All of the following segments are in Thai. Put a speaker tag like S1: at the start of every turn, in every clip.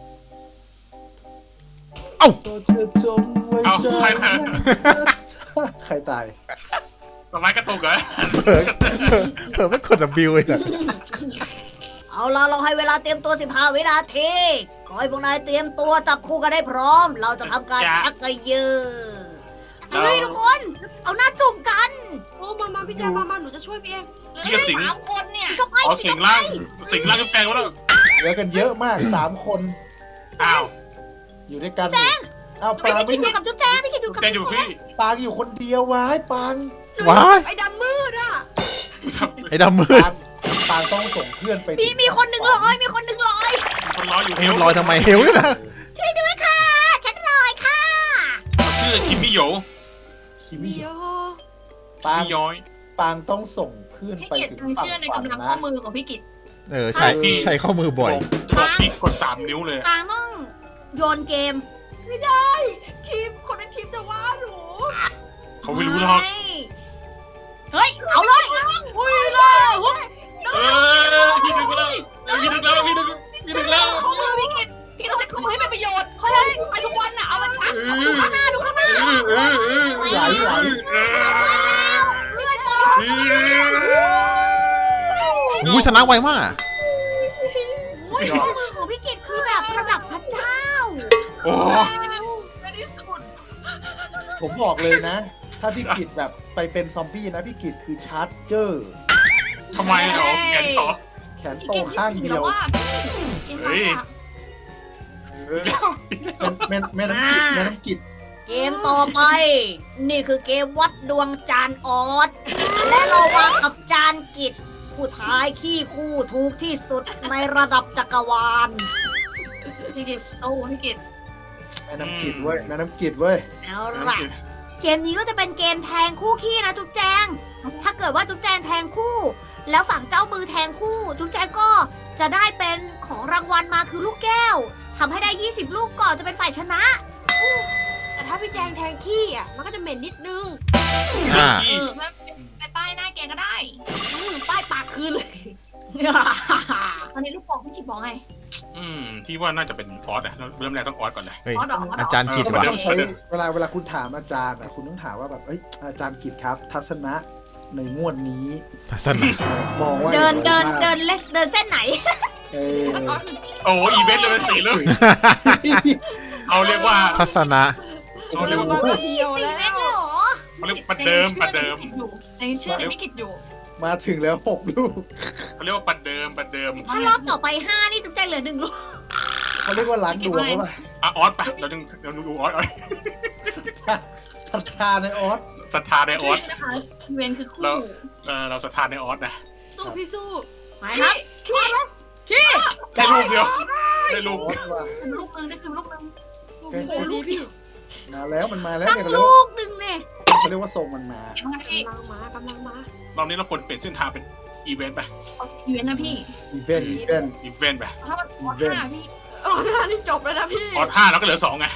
S1: เอ้า
S2: เอา
S3: ใครตาย
S2: ต้นไม้กระตุกเหรอ
S1: เผลอไม่กด W เลยนะ
S4: เอาล่ะเราให้เวลาเตรียมตัว15 วินาทีขอให้พวกนายเตรียมตัวจับคู่กันให้พร้อม เราจะทำการชักกระยือเฮ้ยทุกคน เอาหน้าจุ่มกัน
S5: โอ้มาพี่แจงมาหนูจะช่วยพี่เอง
S2: พี่ก็สิง
S5: 3 คนเนี่ย
S4: ก็ไป
S2: อ๋อ
S4: สิ
S2: สิงล่างสิงล่างก็แปลงแล้ว
S3: เหลือกันเยอะมาก3 คน
S2: อ้าว
S3: อยู่ด้วยกันอ้าวปา
S4: ไม่
S3: ง
S4: คิดอยู่กับจุ๊บแจงไม่คิดอยู่กับ
S2: แกอยู่พี่
S3: ปางอยู่คนเดียววายปาง
S1: ว้าย
S5: ไอ้ดำมืดอ่ะ
S1: ไอ้ดำมืด
S3: ปางต้องส่งเพื่อนไป
S4: มีคนหนึ่งร้อยมีคนหนึ่งร้อย
S2: คนร้อยอยู่
S1: เฮลลอยทำไมเฮลเนี่ยนะ
S4: ช่วยด้วยค่ะ ฉันลอยค่ะ
S2: ชื่อคิมมี่โย
S3: คิมิ
S5: เดี๋ยว
S3: ปาง
S2: มี่ย้อย
S3: ปางต้องส่งเพื่อน
S5: พี่
S3: ไป
S5: กิต
S3: ถึง
S5: มึง
S3: ฝั่ง
S5: เชื่อใน
S3: ฝัน
S5: กำลัง
S3: นะ
S5: ข้อมือของพี่กิต
S1: ใช่ใช้ข้อมือบ่อย
S2: จะบอกพี่กด3 นิ้วเลย
S4: ปางต้องโยนเกม
S5: ไม่ได้ทีมคนในทีมจะว่าหนู
S2: เขาไม่รู้หรอก
S4: ไม่เฮ้ย เอาเลยอุ้ยเลยเฮ้ย
S2: พี่ดึงแล้วพี่ดึงแล้วพี่ดึงแล้ว
S5: ข้อมือพี่กิตพี่ต้องใช้ข้อมือให้เป็นประโยชน์เขาไปทุกวันน่ะเอามาชัก
S4: ดูข้างหน้า
S3: ไหล
S1: อุ้ยชนะไวมาก
S4: โอ้ยข้อมือของพี่กิตคือแบบระดับพระเจ้า
S2: โอ้
S5: ในที่สุด
S3: ผมบอกเลยนะ ถ้าพี่กิจแบบไปเป็นซอมบี้นะพี่กิจคือชาร์จเจอร์
S2: ทำไมเหรอแกนต่อ
S3: แขนโตข้างเดียว
S2: เฮ้ย
S3: แม่น้ำกิจ
S4: เกมต่อไป นี่คือเกมวัดดวงจานออสและเราวางกับจานกิจผู้ท้ายขี้คู่ถูกที่สุดในระดับจักรวาล
S5: พี่กิตโอ้พี่กิต
S3: แม่น้ำกิจเว้ยแม่น้ำกิจเว้ย
S4: เอาล่ะ เกมนี้ก็จะเป็นเกมแทงคู่ขี้นะจุ๊บแจง ถ้าเกิดว่าจุ๊บแจงแทงคู่ แล้วฝั่งเจ้ามือแทงคู่ จุ๊บแจงก็จะได้เป็นของรางวัลมาคือลูกแก้วทำให้ได้ 20 ลูกก่อนจะเป็นฝ่ายชนะ
S5: แต่ถ้าพี่แจงแทงขี้อ่ะมันก็จะเหม็นนิดนึง
S1: อ่า
S5: ไปป้ายหน้าแกก็ได้
S4: ป้ายปากคืนเลย
S5: ตอนนี้ลูกบอกพี่กิตบอกไง
S2: พี่ว่าน่าจะเป็นออสอะเริ่มแรกต้องออสก่อนเลย
S1: เฮ้ย
S5: อ๋อเหรอ
S1: อาจารย์กิจว่ะ
S3: ต้องใช้เวลาคุณถามอาจารย์อ่ะคุณต้องถามว่าแบบอาจารย์กิจครับ ทัศนะในงวดนี้
S1: ทัศนะ
S3: มองว่า
S4: เดินเส้นไหน
S3: เออ
S2: โอ้อีเวนต์เลย4 เรื่องเขาเรียกว่า
S1: ทัศนะ
S2: เขาเรียกว่า
S4: สี่เม็ดเลยเหรอ
S2: เขาเรียกประเดิม
S5: ยังเชื่อในพี่กิตอยู่
S3: มาถึงแล้ว6 ลูก
S2: เขาเรียกว่าประเดิม
S4: ถ้ารอบต่อไป 5 นี่จุ๊บแจงเหลือ1 ลูก
S3: เขาเรียกว่าล้างดวงหรือเปล่า
S2: อ่ะออสไปเราดูออส
S3: ศรัทธาในออส
S2: ศรัทธาในออส
S5: นะคะเวนคือคู่
S2: เราศรัทธาในออสนะ
S5: สู้พี่สู้
S4: ไปครับ
S2: ได้ลูกเดียวได้ลูก
S3: ออสว่ะ
S5: ลูกนึงได้คือลูกนึง
S3: โอ้โหลูกมาแล้วมันมาแล้ว
S4: ตั้ง
S3: เนี่ย
S4: ลูกหนึ่งเนี่ย
S3: เขาเรียกว่าทรงมันมา
S5: เห็นไหมพี่
S3: กำลังมาก
S2: รอบนี้เราควรเปลี่ยนเส้นทางเป็นอีเวนต์ไป
S5: อีเวนต์นะพี่
S3: อีเวนต์
S2: อีเวนต์ไป
S5: ถ้ามันหมดห้าพี่นี่จบแล้วนะพี่
S2: ออส5แล้วก็เหลือ2ไง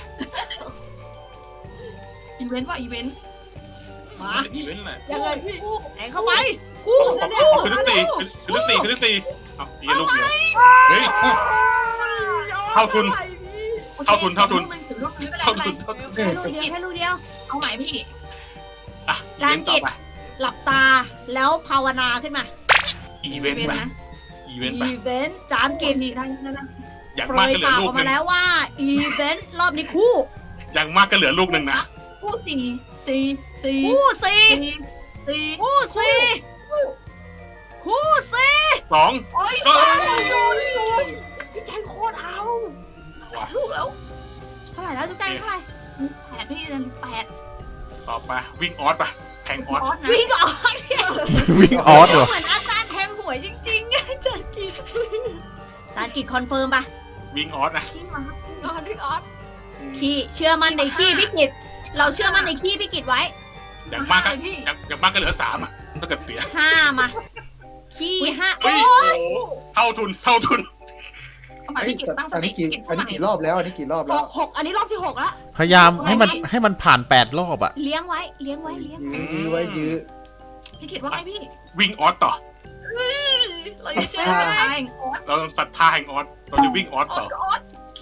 S5: อีเวนต์ว่าอีเวนต์
S4: มา
S2: อีเวนต์แหละ
S4: ยังไง
S5: คู่
S4: แทงเข้าไปคู่
S2: คือที่สี่เอาอีกลูกเดียวเฮ้ย เท่าทุน
S5: ถึงลูกนึงไม่ได้
S4: ลูกเดียวแค่ลูกเดียว
S5: เอาใหม่พี่
S2: อ่ะ
S4: จานกิจ หลับตาแล้วภาวนาขึ้นมา
S2: อีเวนต์ไป
S5: นะ
S2: อีเวนต์ไป
S4: อีเวนต์จานกิจ
S5: พี่ได้
S2: อย่าง
S4: เปร
S2: มาก
S4: ย
S2: ก็เหลื
S4: ปา
S2: อก
S4: อ
S2: ลู
S4: อก ก
S2: นึ
S4: มาง แล้วว่าอีเวนต์รอบนี้คู่
S2: อย่างมากก็เหลือลูกนึงนะ
S5: คู่สี่
S4: คู่สี่
S5: สี่
S4: คู่สี่คู่สี่
S2: 2
S5: โอ้ยพี่แจงโคตรเอาลูกแล้ว
S4: เท่าไหร่แล้วจุ๊บแจงเท่าไหร่
S5: 8พี่8
S2: ต่อไปวิ่งออสไปแทงออส
S5: ออสนะ
S4: วิ่งออก
S1: วิ่งออสเหรอ
S4: เหมือนอาจารย์แทงหวยจริงๆอาจารย์กิจอาจารย์กิจคอนเฟิร์มปะ
S2: วิ่งออสนะ
S5: พี่มาออสพี่ออส
S4: พี่เชื่อมั่นในขี้พี่กิจเราเชื่อมั่นในขี้พี่กิจไว้
S2: อย่างมากก็เหลือ3อ่ะถ้าเกิดเสีย
S4: 5มาขี้5
S2: เฮ้ยเท่าทุน
S5: เอาใหม่พี่กิตตั้งส
S3: อัน
S5: ติ
S3: นี้กี่รอบแล้วอันนี้กี่รอบแล้ว
S4: 6อันนี้รอบที่6แล้ว
S1: พยายามให้มันผ่าน8 รอบอ่ะ
S4: เลี้ยงไว้
S3: ยื้อไว้ยื้อ
S5: พี่กิตว่าไงพี่
S2: วิ่งออสต่อ
S5: เราจะเชื่อในสายออส
S2: เราศรัทธาแห่งออสเราจะวิ่งออสต่อ
S5: ออส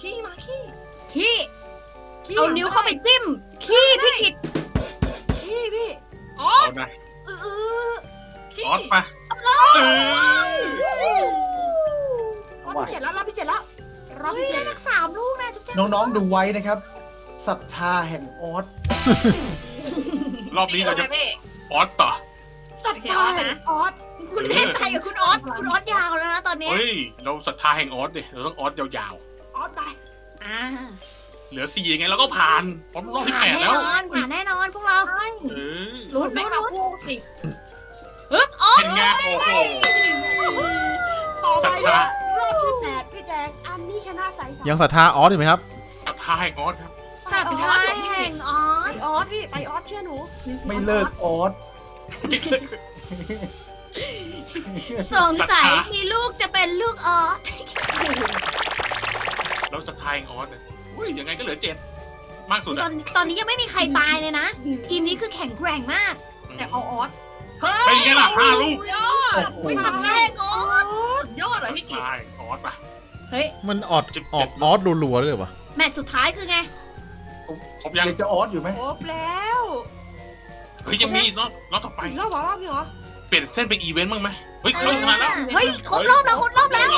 S5: ขี้มาขี้
S4: ขี้เอานิ้วเข้าไปจิ้มขี้พี่กิตขี้พี่
S5: อ๋อ
S2: เอานะ
S4: เออ
S5: ขี้
S2: ออสไปเออ
S5: รอบที่7แล้วรอบที่7แล้วรอบ
S4: เฮ้ย
S5: ที่
S4: ได้ทั้ง3 ลูกนะจุ๊บแจ๊
S3: น้องๆดูไว้นะครับศรัทธาแห่งออส
S2: รอบนี้เราจะออสต่อ
S5: สัตว์ตายนะออส
S4: คุณแน่ใจกับคุณออสยาวแล้วนะตอนนี้
S2: เฮ้ยเราศรัทธาแห่งออสดิเราต้องออสยาว
S5: ออสไป
S4: อ่า
S2: ๆเหลือ4ยังไงเราก็ผ่านเพราะรอบที่
S4: ผ่าน
S2: 8
S4: แน่
S2: แล้ว
S4: นอนผ่านแน่นอนพวกเรา
S2: เออ
S4: ลุ้น
S5: ไม่
S4: ลุ้น
S5: มา
S4: ลุ้น
S5: พูดสิ
S4: ฮึบออส
S2: เป็นไงโอ้โห
S5: ต่อไป
S2: ศรัทธา
S5: รอบที่8พี่แจงอันนี้ชนะใส
S1: ยังศรัทธาออสอยู่ไหมครับ
S2: ศรัทธาแห่งออสครับ
S4: สัตว์ทายแห่งออ
S5: ไป
S4: ส
S5: ออสพี่ไปออสเชื่อหนู
S3: ไม่เลิกออส
S4: สงสัยมีลูกจะเป็นลูกออส
S2: เราศรัทธาแห่งออสเลยอุ้ยยังไงก็เหลือ7มากสุด
S4: ตอ
S2: อะ
S4: นตอนนี้ยังไม่มีใครตายเลยนะ ทีมนี้คือแข็งแกร่งมาก
S5: แต่เอาออส
S2: เป็นไงล่ะ5 ลูก
S5: ยอด
S3: โอ้โห
S4: ไม่สัตว์ทายแห่งออส
S5: สุดยอดเลยพี่กิ๊
S2: ใช่ออสป่ะ
S4: เฮ้ย
S1: มันออกออสรัวๆเลยเหรอวะ
S4: แมตช์สุดท้ายคือไง
S2: ครบยัง
S3: ยังจะออสอยู่ไหม
S5: ครบแล้ว
S2: เฮ้ยยังมีรอบต่อไป
S5: อีกรอบเหรอรอบนี้เหรอ
S2: เปลี่ยนเส้นเป็นอีเวนต์บ้างไหมเฮ้ยเขาชนะแล้ว
S4: เฮ้ยครบรอบแล้วครบรอบแล้ว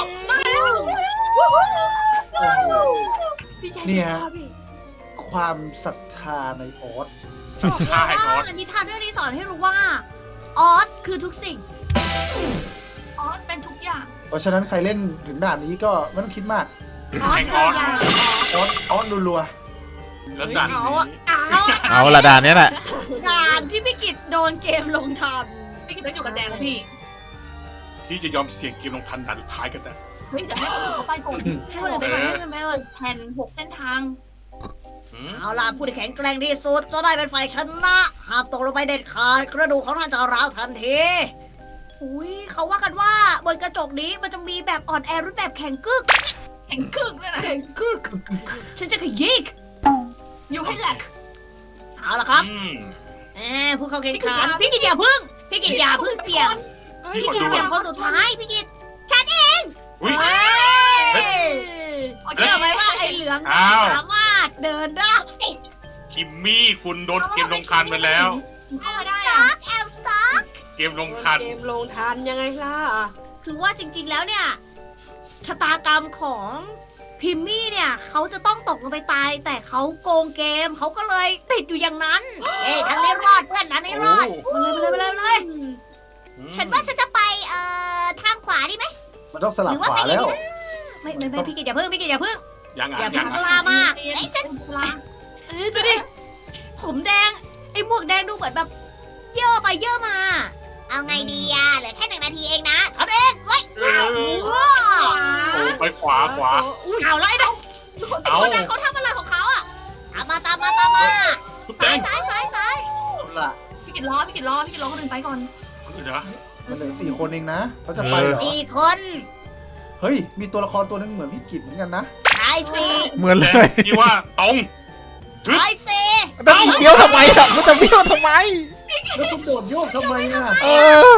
S5: พี่แจง
S3: เนี่ย
S5: ชอบพี่
S3: ความศรัทธาในออส
S2: ศรัทธาแห่งออส
S4: นิทานเรื่องนี้สอนให้รู้ว่าออสคือทุกสิ่ง
S5: ออสเป็นทุกอย่าง
S3: เพราะฉะนั้นใครเล่นถึงด่านนี้ก็ไม่ต้องคิดมาก
S4: ออส
S2: แห่ง
S4: คือ
S2: ออส
S4: อย่าง
S3: ออสรัว
S2: แล้วดันนี้
S1: เอาละดานเนี้ยแหละ
S4: การที่พี่กิตโดนเกมลงทัน
S5: พี่กิ๊กต้องอยู่กับแจงแล้วพี่
S2: พี่จะยอมเสี่ยงเกมลงทันด่านสุดท้ายกันแต่
S5: เฮ้ยเดี๋ยวให้คนอื่นเขาไปก่อน
S4: ให้คนอื่นไปก่อนให้คนอื่นไปก่อน
S5: แผน6 เส้นทาง
S4: เอาล่ะผู้ที่แข็งแกร่งที่สุดจะได้เป็นฝ่ายชนะห้ามตกลงไปเด็ดขาดกระดูกของท่านจะร้าวทันทีอุ้ยเขาว่ากันว่าบนกระจกนี้มันจะมีแบบอ่อนแอรูปแบบแข็งกึก
S5: แข่งกึกเลยนะ
S4: แข็งกึก ฉันจะขยี้
S5: อยู่ให้แหลก
S4: เอาล่ะครับ
S2: อืม
S4: ผู้เข้าแข่งขันพี่กิตอย่าพึ่งพี่กิตอย่าพึ่งเสี่ยง
S2: พี่
S4: พี่
S2: ขอ
S4: กิต
S2: ดู
S4: เสี่ยง
S2: ก่อน
S4: คนสุดท้ายพี่กิต
S2: อุ้ย
S4: เฮ้ย
S5: โอเค
S4: เชื่อไหมว่าไอ้เหลือง
S2: อ้าว
S4: สามารถเดินได้
S2: คิมมี่คุณโดนเกมลงทันไปแล้ว
S5: เข้ามาได้
S4: ส
S5: อะ
S4: ตาร์ทแอลสตาร์ท
S2: เกมลงทัน
S5: เกมลงทันยังไงล่ะ
S4: คือว่าจริงๆแล้วเนี่ยชะตากรรมของพิมมี่เนี่ยเขาจะต้องตกลงไปตาย แต่เขาโกงเกมเขาก็เลยติดอยู่อย่างนั้นเอ้ยทางนี้รอดเพื่อนทางนี้รอดมาเลยฉันว่าฉันจะไปทางขวาดีไหม
S3: ๆมันต้องสลับ
S4: หรือว่า
S3: ขวา
S4: ไปไง
S3: แล้ว
S4: ดีนะไม่พี่กิตอย่าเพิ่งพี่กิตอย่าเพิ่ง
S2: ยังอ่ะ
S4: อย่า
S2: ยัง
S4: พ
S2: อ่ะ
S4: ลามาก
S5: เอ้
S4: เอ้
S5: ย
S4: ย
S5: ฉั
S4: ฉั
S5: น
S4: นจะดิผมแดงไอ้หมวกแดงดูเหมือนแบบเย่อไปเย่อมา เอาไงดีอะเหลือแค่1 นาทีเองนะทำเองเว้ย
S2: เออ
S4: ว้า
S2: โอ้ไปขวา
S4: เอาแล้วไอ้ดอกไอ้
S2: เอา
S4: คนนั้นเขาทำอะไรของเขาอะตามมา
S2: ทุบแด
S4: ซ้าย
S2: ง
S4: ซ้าย
S3: เอาล่ะ
S5: พี่กินรอคนอื่นไปก่อน
S2: เดี๋ยว
S3: มันเหลือ4 คนเองนะเขาจะไปเหรอ
S4: สี่คน
S3: เฮ้ย มีตัวละครตัวหนึงเหมือนพี่กิตเหมือนกันนะ
S4: ชายสี่
S1: เหมือน
S2: แด
S1: เล
S2: ง
S1: ย
S2: ที่ว่าตรง
S4: ชายสี่
S1: แต่สีเบี้ยวทำไมอ่ะมันจะเบี้ยวทำไม
S3: แล้วคุณโดดโยกทำไมอ่ะ
S1: เออ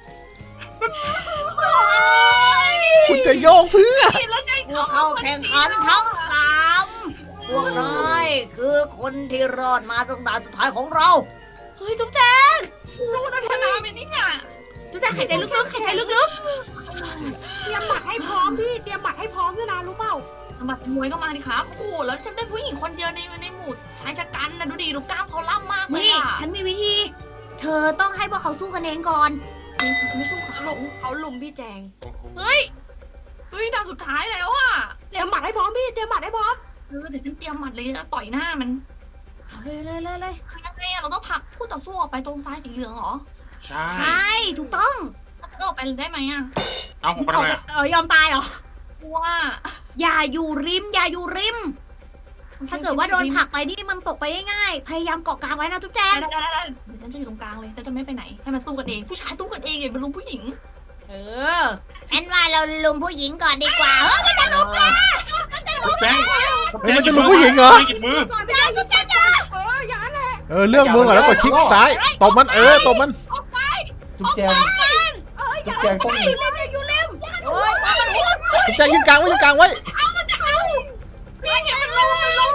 S1: คุณจะโยกเพื่อ
S5: แล้วไง
S4: พวกเขาแข่งขันทั้ง3พวกนายคือคนที่รอดมาตรงด่านสุดท้ายของเรา เฮ้ยจุ๊บแจง
S5: สู้นะชนะไปนี่เนี่ย
S4: จุ๊บแจงหายใจลึกๆหายใจลึก
S5: เตรียมหมัดให้พร้อมพี่เตรียมหมัดให้พร้อมด้วยนะรู้เปล่าหมัดมวยก็มาดิครับโอ้โหแล้วฉันเป็นผู้หญิงคนเดียวในหมู่ชายชะกันนะดูดิดูกล้ามเขาล่ำมาก
S4: ๆ
S5: เลย
S4: นี่
S5: อ่ะ
S4: ฉันมีวิธี เธอต้องให้พวกเขาสู้กันเองก่อน
S5: ไม่สู้เขาลุมพี่แจง
S4: เฮ้ย
S5: เฮ้ยด่านสุดท้ายแล้วอ่ะเตรียมหมัดให้พร้อมพี่เตรียมหมัดให้พร้อมเดี๋ยวฉันเตรียมหมัดเลยต่อยหน้ามัน
S4: เอาเลย
S5: คือยังไงอะเราต้องผลักคู่ต่อสู้ออกไปตรงซ้ายสีเหลืองเหรอ
S2: ใช่
S4: ใช่ถูกต้อง
S5: เราออกไปได้ไหมอะ
S2: เอาผมไปทำไมอ่ะ
S4: ยอมตายเหรอ
S5: ว่า
S4: อย่าอยู่ริม ถ้าเกิดว่าโดนผลักไปนี่มันตกไปง่ายๆ พยายามเกาะกลางไว้นะทุกแจง
S5: ได้เดี๋ยวฉันจะอยู่ตรงกลางเลยฉันจะไม่ไปไหนให้มันสู้กันเองผู้ชายสู้กันเองอย่าไปลุมผู้หญิง
S4: งั้นว่าเราลุมผู้หญิงก่อนดีกว่าเฮ้ยมันจะลุม
S2: ทุบแดง
S1: เฮ้ยมันจะลุมผู้หญิงเหรอ
S2: หยิบมือ
S4: ก่อนไม่ได้ทุกแจงจ้า
S1: เออเลือกมือก่อนแล้วกดคลิกซ้ายตบมันตบมัน
S3: จุ๊บแจงจุ๊บแจงต้อง
S4: อยู่ริมโอ้ยมามันหัว
S1: คุณแจงยืนกลางไว้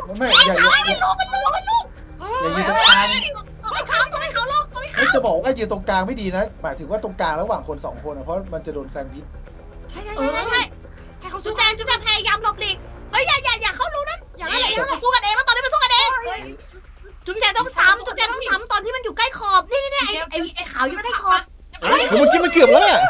S3: ไม่อย่าอย่าอย่ายืนตรงกลาง
S4: ต้องให้เขาลง
S3: ไม่จะบอกว่ายืนตรงกลางไม่ดีนะหมายถึงว่าตรงกลางระหว่างคน2 คนนะเพราะมันจะโดนแซนด์วิช
S4: ใช่ให้เขาจุ๊บแจงพยายามหลบหลีกเฮ้ยอย่าเข้ารู้นั้นอย่าอะไรสู้กันเองแล้วตอนนี้มันสู้กันเองจุ๊บแจงต้องซ้ำตอนที่มันอยู่ใกล้ขอบนี่ไอ้ขาวอยู่ใกล้ขอบ
S1: เฮ้ยเมื่อกี้มันเกือบแล้วเนี่ย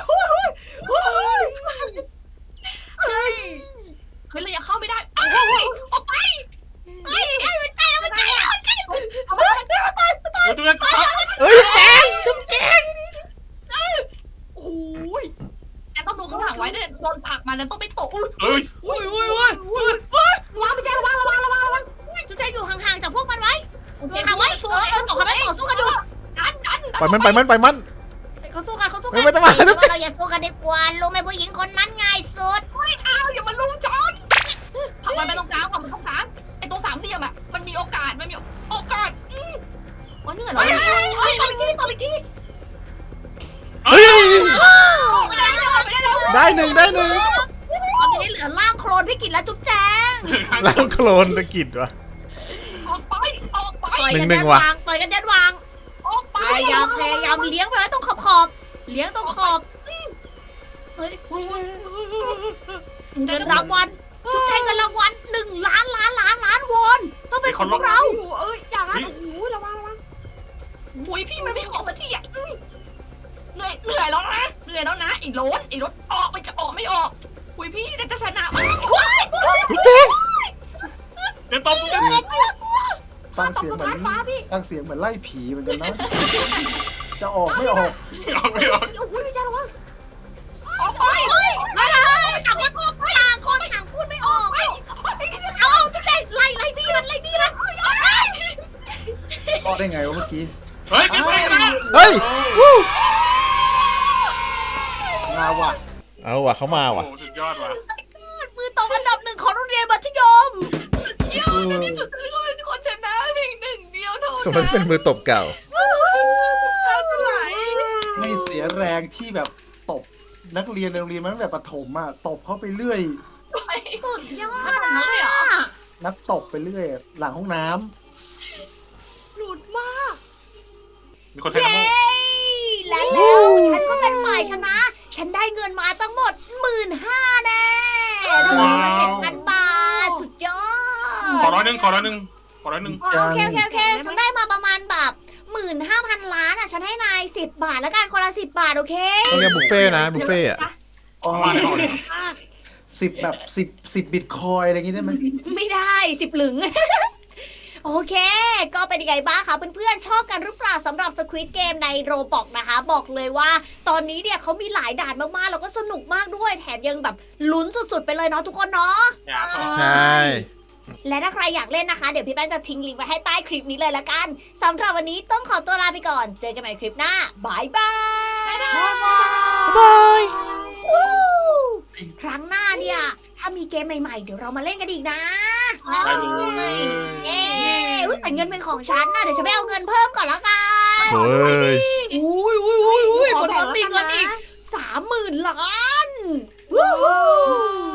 S4: เฮ้ย
S5: เฮ้ยเรายังเข้าไม่ได้ออกไป
S4: มันใกล้แล้ว
S5: เอามา
S2: จุ๊บแจง
S1: เฮ้ยแจงจุ๊บแจง
S4: โอ้ย
S5: แต่ต้องดูข้างหลังไว้เนี่ยโดนผลักมาแล้วต้องไปตก
S2: เฮ้ย
S4: วางไปแจงระวังจุ๊บแจงอยู่ห่างๆจากพวกมันไว้
S5: โอเค
S4: ห่างไว้2 คนนั้นต่อสู้กันอยู่
S5: ดัน
S1: ปล่อยมัน
S4: เขาสู้กัน
S1: ไม่ต้องมา
S4: เราอย่าสู้กันดีกว่ารู้ไหมผู้หญิงคนนั้นง่ายสุด
S5: อ้าวอย่ามาลุมจอนผลักมันไปตรงกลางไอ้ตัว3 เหลี่ยมอ่ะมันมีโอกาสโอกาสโอ้ยเหนื่อยแล้ว
S4: ตบอีกที
S1: เฮ้ย
S5: ไม่ได้แล้ว
S1: ได้หนึ่ง
S4: ตอนนี้เหลือร่างโคลนพี่กิตและจุ๊บแจง
S1: ล้างโคลนตะกิดวะ
S5: ออกไป
S4: ต่อยกัน
S1: หนึ่
S4: แด
S1: ง
S4: น
S1: ว่ะ
S4: วางต่อยกันแดนวาง
S5: ออกไป
S4: พยายามเลี้ยงไปไว้ตรงขอบเลี้ยงตรงขอบเฮ้ยเงินรางวัลจุ๊บแจงเงินรางวัล1 ล้านวอนต้องเป็นของพวกเราอย่างนั้นโอ้โหระวัง
S5: หุยพี่มันไม่ออกสักทีอ่ะเหนื่อยแล้วนะไอ้รถออกมันจะออกไม่ออกหุยพี่จะชนะ
S1: จุ๊บแจง
S2: เดี๋ยวตบ
S3: ฟังเสียงเหมือนไล่ผีเหมือนกันนะจะออกไม่ออก
S2: ไม่ออก
S4: โอ้โหพี่แจงระวัง
S5: ออกไป
S4: ต่างคนพูดไม่ออกเอาจุ๊บแจงไล่บี้มัน
S3: รอดได้ไงวะเมื่อกี้
S2: เฮ้ยกินไปนะ
S1: เฮ้ยวู้
S3: มาว่ะ
S1: เอาว่ะเขามาว่ะ
S2: โอ้สุดยอดว่ะ
S4: มือตกอันดับ 1ของโรงเรียนมัธยม
S5: ในที่สุดฉันก็เป็นคนชนะเพียง1 เดียวเท่านั้น
S1: สมมติเป็นมือตบเก่า
S3: ไม่เสียแรงที่แบบตบนักเรียนในโรงเรียนมาตั้งแต่ประถมอ่ะตบเข้าไปเรื่อย
S4: สุดยอ
S5: ข
S4: ด
S5: นาดนั้นเลยเหรอ
S3: นักตบไปเรื่อย หลังห้องน้ำ
S4: หลุดมาก
S2: มีคนไทยนะโม
S4: และแล้วฉันก็เป็นฝ่ายชนะ ฉันได้เงินมาทั้งหมด 15,000 แน่รวมเป็น7,000 บาท สุดยอ
S2: ขอ
S4: ด
S2: 100
S4: โอเคฉันได้มาประมาณแบบ 15,000 ล้านอ่ะ ฉันให้นาย10 บาทแล้วกันคนละ10 บาท โอเค
S1: ต้องเรียกบุฟเฟ่ต์นะบุฟเฟ่ต์อ่ะ
S3: อ๋อ
S2: มาเลย
S3: 10 แบบ10บิตคอยอะไรอย่างงี้ได้ไหม
S4: ไม่ได้10 หลึง โอเค ก็เป็นยังไงบ้างคะเพื่อนๆ ชอบกันหรือเปล่าสำหรับ Squid Game ใน Roblox นะคะ บอกเลยว่าตอนนี้เนี่ยเขามีหลายด่านมากๆ แล้วก็สนุกมากด้วย แถมยังแบบลุ้นสุดๆ ไปเลยเนาะทุกคนเนาะ
S1: ใช่
S4: และถ้าใครอยากเล่นนะคะ เดี๋ยวพี่แป้งจะทิ้งลิงก์ไว้ให้ใต้คลิปนี้เลยละกันสำหรับวันนี้ต้องขอตัวลาไปก่อน เจอกันใหม่คลิปหน้าบายบาย
S1: บาย
S4: วู้ครั้งหน้าเนี่ย ถ้ามีเกมใหม่ๆ เดี๋ยวเรามาเล่นกันอีกนะ
S2: ได้เลย
S4: เอ๊ะแต่เงินเป็นของฉันนะเดี๋ยวฉันไปเอาเงินเพิ่มก่อนละกัน
S1: เฮ้ย
S4: อุ้ยบนรถมีเงินอีก 30,000 ล้านวู้